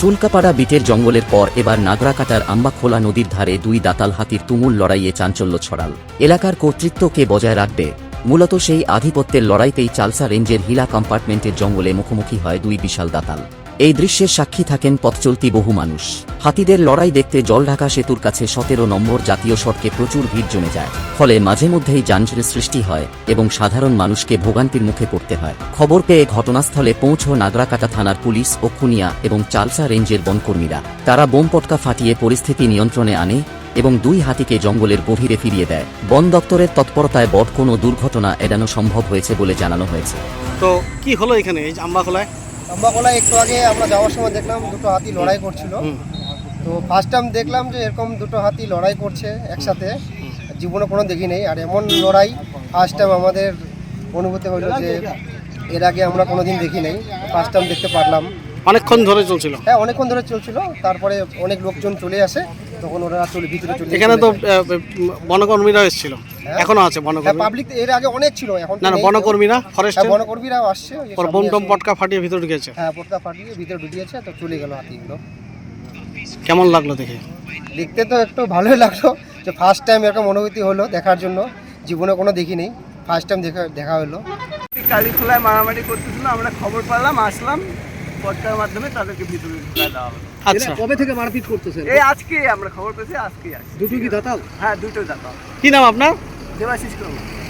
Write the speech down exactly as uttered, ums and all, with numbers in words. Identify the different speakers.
Speaker 1: শুল্কাপাড়া বিটের জঙ্গলের পর এবার নাগরাকাটার আম্বাখোলা নদীর ধারে দুই দাতাল হাতির তুমুল লড়াইয়ে চাঞ্চল্য ছড়াল। এলাকার কর্তৃত্ব কে বজায় রাখবে, মূলত সেই আধিপত্যের লড়াইতেই চালসা রেঞ্জের হিলা কম্পার্টমেন্টের জঙ্গলে মুখোমুখি হয় দুই বিশাল দাতাল। এই দৃশ্যের সাক্ষী থাকেন পথচলতি বহু মানুষ। হাতিদের লড়াই দেখতে জলঢাকা সেতুর কাছে সতেরো নম্বর জাতীয় সড়কে প্রচুর ভিড় জমে যায়, ফলে মাঝে মধ্যেই যানজটের সৃষ্টি হয় এবং সাধারণ মানুষকে ভোগান্তির মুখে পড়তে হয়। খবর পেয়ে ঘটনাস্থলে পৌঁছ নাগরাকাটা থানার পুলিশ ও খুনিয়া এবং চালসা রেঞ্জের বনকর্মীরা। তারা বোম পটকা ফাটিয়ে পরিস্থিতি নিয়ন্ত্রণে আনে এবং দুই হাতিকে জঙ্গলের গভীরে ফিরিয়ে দেয়। বন দপ্তরের তৎপরতায় বড় কোনো দুর্ঘটনা এড়ানো সম্ভব হয়েছে বলে জানানো হয়েছে।
Speaker 2: তো কি হলো এখানে এই আম্বাখোলায়?
Speaker 3: আম্বাখোলায় একটু আগে আমরা যাওয়ার সময় দেখলাম দুটো হাতি লড়াই করছিল। তো ফার্স্ট টাইম দেখলাম যে এরকম দুটো হাতি লড়াই করছে একসাথে, জীবনে কোনো দেখি নেই। আর এমন লড়াই ফার্স্ট টাইম আমাদের অনুভূতি হলো যে এর আগে আমরা কোনোদিন দেখি নাই, ফার্স্ট টাইম দেখতে পারলাম।
Speaker 2: অনেকক্ষণ ধরে চলছিল?
Speaker 3: হ্যাঁ, অনেকক্ষণ ধরে চলছিল। তারপরে অনেক লোকজন চলে আসে, তখন ওরা চলে ভিতরে চলে।
Speaker 2: এখানে তো বনকর্মীরা এসেছিল, এখনো আছে বনকর্মী?
Speaker 3: পাবলিক এর আগে অনেক ছিল, এখন
Speaker 2: না না বনকর্মীরা, ফরেস্ট
Speaker 3: বনকর্মীরাও আসছে।
Speaker 2: বোম টোম পটকা ফাটিয়ে ভিতরে ঢুকেছে?
Speaker 3: হ্যাঁ, পটকা ফাটিয়ে ভিতরে ঢুকিয়েছে, তো চলে গেল হাতিগুলো।
Speaker 2: কেমন লাগলো দেখে?
Speaker 3: দেখতে তো একটু ভালোই লাগলো, যে ফার্স্ট টাইম এরকম অনুভূতি হলো দেখার জন্য। জীবনে কোনো দেখিনি, ফার্স্ট টাইম দেখা দেখা হলো।
Speaker 4: কালীখোলায় মারামারি করতেছিল, আমরা খবর পেলাম, আসলাম, পটকার মাধ্যমে তাদেরকে ভিতরে ঢুকায় দেওয়া হলো।
Speaker 2: আচ্ছা,
Speaker 3: কবে থেকে মারপিট করতেছেন?
Speaker 4: এই আজকে আমরা খবর পেয়েছি, আজকেই আসছি।
Speaker 3: দুটো কি দাতাল?
Speaker 4: হ্যাঁ, দুটো দাতা।
Speaker 2: কি নাম আপনার?
Speaker 4: দেবাশিস কর্মী।